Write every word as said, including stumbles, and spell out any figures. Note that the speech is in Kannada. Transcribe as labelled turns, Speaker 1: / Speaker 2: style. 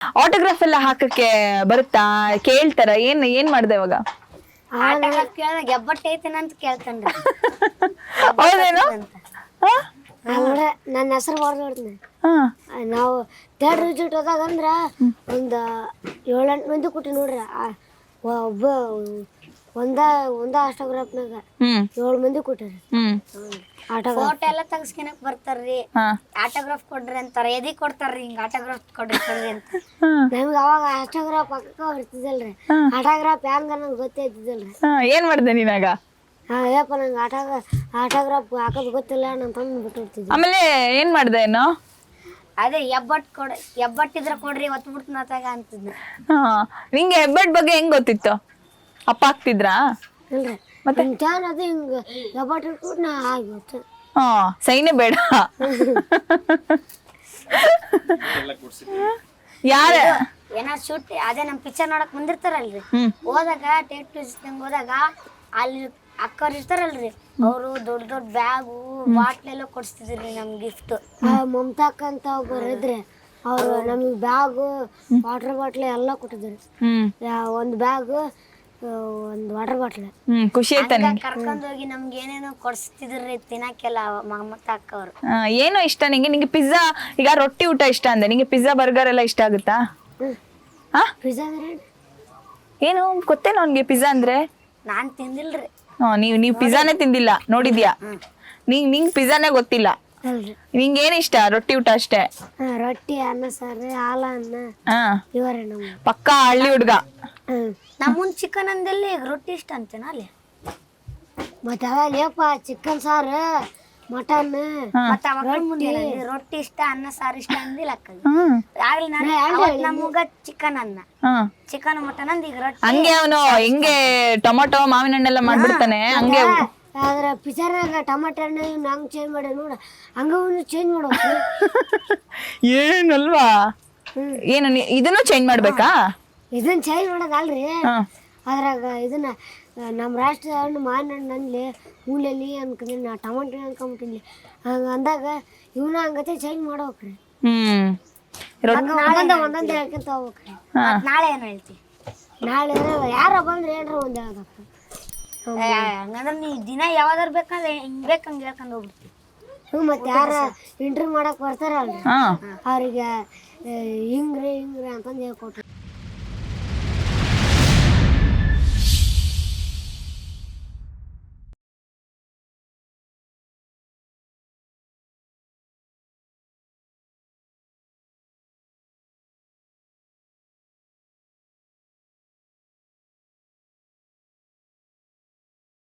Speaker 1: ಆಟೋಗ್ರಾಫ್ ಎಲ್ಲ ಹಾಕಕ್ಕೆ ಬರುತ್ತಾ? ಕೇಳ್ತಾರ? ಏನ್ ಏನ್ ಮಾಡ್ದೆ ಇವಾಗ?
Speaker 2: ಆಟೋಗ್ರಾಫ್ ಕೇಳಿದಾಗ ಹೆಬ್ಬಟ್ಟು ಐತೇನಂತ ಕೇಳ್ತಾನ್ರಿ.
Speaker 1: ಹೌದೇನು?
Speaker 2: ಅಂದ್ರೆ ನನ್ನ ಹೆಸರು ಬರ್ದೋಡ್ತೀನಿ. ನಾವು ಥರ್ಡ್ ರಿಸಲ್ಟ್ ಹೋದಾಗ ಅಂದ್ರ ಒಂದ್ ಏಳೆಂಟು ಮಂದಿ ಕೊಟ್ಟಿ ನೋಡ್ರಿ. ಒಬ್ಬ ಒಂದ ಒಂದ ಆಟೋಗ್ರಾಫ್ನಾಗ ಏಳು ಮಂದಿ ಕೊಟ್ಟಾರಿ. ಫೋಟೋ ಎಲ್ಲ ತೆಗಿಸ್ಕೊಳಕ್ ಬರ್ತಾರ್ರಿ. ಆಟೋಗ್ರಾಫ್ ಕೊಡ್ರಿ ಅಂತಾರ. ಎದಿ ಕೊಡ್ತಾರ್ರಿ ಹಿಂಗ ಆಟೋಗ್ರಾಫ್ ಕೊಡ್ರಿ ಕೊಡ್ರಿ ಅಂತ. ನಮ್ಗೆ ಅವಾಗ ಆಟೋಗ್ರಾಫ್ ಹಾಕಕ್ಕ ಬರ್ತಿದ್ದಲ್ರಿ. ಆಟೋಗ್ರಾಫ್ ಹೆಂಗ ನಂಗೆ ಗೊತ್ತೇ ಇದ್ದಿದ್ದಲ್ರಿ.
Speaker 1: ಏನ್ ಮಾಡ್ದೆ ನೀನಾಗ?
Speaker 2: ಅಯ್ಯಪ್ಪ ನಂಗೆ ಆಟೋಗ್ರಾ ಆಟೋಗ್ರಾಫ್ ಹಾಕೋದ್ ಗೊತ್ತಿಲ್ಲ ನನ್ನ ತಂದು ಬಿಟ್ಟಿರ್ತಿದ್ದೆ.
Speaker 1: ಆಮೇಲೆ ಏನ್ ಮಾಡ್ದೆ ಏನೋ?
Speaker 2: ಅದೇ ಹೆಬ್ಬಟ್ ಕೊಡ ಹೆಬ್ಬಟ್ಟಿದ್ರ ಕೊಡ್ರಿ ಒತ್ತು ಬಿಡ್ತನಾತಾಗ ಅಂತಿದ್ದೆ.
Speaker 1: ಹಾ, ನಿಂಗೆ ಹೆಬ್ಬಟ್ ಬಗ್ಗೆ ಹೆಂಗ್ ಗೊತ್ತಿತ್ತು? ಅಪ್ಪ ಹಾಕ್ತಿದ್ರಾ?
Speaker 2: ಇಲ್ರಿ, ಮತ್ತೆ ಅದು ಹಿಂಗ ಹೆಬ್ಬಟ್ ಇಟ್ಬಿಟ್ಟು ನಾ ಆಗಿತ್ತು.
Speaker 1: ಹಾ, ಸೈನೆ ಬೇಡ. ಯಾರ
Speaker 2: ಏನೋ ಶೂಟ್ ಅದೇ ನಮ್ ಪಿಕ್ಚರ್ ನೋಡಕ್ ಬಂದಿರ್ತಾರಲ್ರಿ, ಹೋದಾಗ ಟೇಟ್ ನಂಗೆ ಹೋದಾಗ ಅಲ್ಲಿ ಅಕ್ಕವ್ರು ಇರ್ತಾರಲ್ರಿ, ಅವರು ದೊಡ್ಡ ದೊಡ್ಡ ಬ್ಯಾಗು ಬಾಟ್ಲೆಲ್ಲ ಕೊಡ್ಸ್ತಿದ್ರಿ ನಮ್ಗೆ ಗಿಫ್ಟ್. ಮಮತಾಕ್ ಅಂತ ಒಬ್ಬರು ಇದ್ರೆ ಅವ್ರು ನಮಗೆ ಬ್ಯಾಗು ವಾಟರ್ ಬಾಟ್ಲ್ ಎಲ್ಲ ಕೊಟ್ಟಿದ್ರು. ಒಂದು ಬ್ಯಾಗ್ ಒಂದು ವಾಟರ್ ಬಾಟ್ಲ್.
Speaker 1: ಖುಷಿ ಆಯ್ತಾ?
Speaker 2: ಕರ್ಕೊಂಡ್ ಹೋಗಿ ನಮ್ಗೆ ಏನೇನೋ ಕೊಡ್ಸ್ತಿದ್ರಿ ತಿನ್ನಕ್ಕೆಲ್ಲ ಮಮತಾಕ್ ಅವ್ರು.
Speaker 1: ಏನೋ ಇಷ್ಟ ನಿಂಗೆ? ನಿಂಗೆ ಪಿಜ್ಜಾ, ಈಗ ರೊಟ್ಟಿ ಊಟ ಇಷ್ಟ ಅಂದೆ, ನಿಂಗೆ ಪಿಜ್ಜಾ ಬರ್ಗರ್ ಎಲ್ಲ ಇಷ್ಟ ಆಗುತ್ತಾ?
Speaker 2: ಪಿಜ್ಜಾ ಅಂದ್ರೆ
Speaker 1: ಏನು ಗೊತ್ತೇನೋ ಅವ್ನಿಗೆ ಪಿಜ್ಜಾ ಅಂದ್ರೆ?
Speaker 2: ನಾನ್ ತಿಂದಿಲ್ರಿ.
Speaker 1: ಹಾ, ನೀವು ನೀವು ಪಿಜ್ಜಾನೇ ತಿಂದಿಲ್ಲ, ನೋಡಿದ್ಯಾ? ನಿಂಗ್ ನಿಂಗ್ ಪಿಜ್ಜಾನೇ ಗೊತ್ತಿಲ್ಲ. ನಿಂಗೆ ಏನ್ ಇಷ್ಟ? ರೊಟ್ಟಿ ಊಟ ಅಷ್ಟೇ?
Speaker 2: ರೊಟ್ಟಿ, ಅನ್ನ ಸಾರು, ಹಾಲ ಅನ್ನ. ಇವರೇ ನಮ್ಮ
Speaker 1: ಪಕ್ಕಾ ಹಳ್ಳಿ ಹುಡ್ಗ.
Speaker 2: ನಮ್ಮನ್ ಚಿಕನ್ ಅಂದಲ್ಲಿ ಈಗ ರೊಟ್ಟಿ ಇಷ್ಟ ಅಂತೇನ ಅಲ್ಲಿ. ಮತ್ತೆ ಅವೇಪ ಚಿಕನ್ ಸಾರು, ಮಟನ್, ರೊಟ್ಟಿ ಇಷ್ಟ, ಅನ್ನ ಸಾರು ಇಷ್ಟ ಅಂದಿಲ್ಲ ನಮಗ ಚಿಕನ್ ಅನ್ನ ಚಿಕನ್ ಮಟನ್ ಅಂದ. ಈಗ ರೊಟ್ಟಿ
Speaker 1: ಹಂಗೆ ಅವನು ಹಿಂಗೆ ಟೊಮೊಟೊ ಮಾವಿನ ಹಣ್ಣೆಲ್ಲ ಮಾಡ್ಬಿಡ್ತಾನೆ ಹಂಗೆ.
Speaker 2: ಆದ್ರ ಪಿಜ್ಜಾನಾಗ ಟೊಮೊಟೊ ಹಣ್ಣು ಹಂಗ್ ಚೇಂಜ್ ಮಾಡಿ ನೋಡ, ಹಂಗ ಚೇಂಜ್ ಮಾಡೋ
Speaker 1: ಏನಲ್ವಾ? ಏನು ಇದನ್ನು ಚೇಂಜ್ ಮಾಡ್ಬೇಕಾ?
Speaker 2: ಇದನ್ನ ಚೇಂಜ್ ಮಾಡೋದಲ್ರಿ, ಅದ್ರಾಗ ಇದನ್ನ ನಮ್ಮ ರಾಷ್ಟ್ರ ಹಣ್ಣು ಮಾವಿನ ಹಣ್ಣು ಅಂದ್ಲಿ ಮೂಲೆಯಲ್ಲಿ ಅನ್ಕೊಂಡಿ ನಾ ಟೊಮೊಟೊ ಅನ್ಕೊಂಬಿಟ್ಟಿನಿ. ಹಂಗ ಅಂದಾಗ ಇವನ ಹಂಗತೆ ಚೇಂಜ್ ಮಾಡ್ಬೇಕ್ರಿ.
Speaker 1: ಹ್ಮ್
Speaker 2: ಒಂದೊಂದ ಒಂದೊಂದು ಹೇಳ್ಕೊಂತ ಹೋಗ್ಬೇಕ್ರಿ. ನಾಳೆ ಏನು ಹೇಳ್ತಿ? ನಾಳೆ ಯಾರ ಬಂದ್ರೆ ಏನ್ರ ಒಂದ್ ಹೇಳ್ಬೇಕು. ಹಂಗಂದ್ರೆ ನೀ ದಿನ ಯಾವ್ದಾರು ಬೇಕಂದ್ರೆ ಹಿಂಗ್ ಬೇಕಂಗೆ ಹೇಳ್ಕೊಂಡು ಹೋಗ್ಬಿಡ್ತಿ. ಹ್ಞೂ, ಮತ್ತೆ ಯಾರ ಇಂಟರ್ವ್ಯೂ ಮಾಡಕ್ ಬರ್ತಾರಲ್ರಿ ಅವ್ರಿಗೆ ಹಿಂಗ್ರಿ ಹಿಂಗ್ರಿ ಅಂತಂದು ಹೇಳ್ಕೊಟ್ರಿ.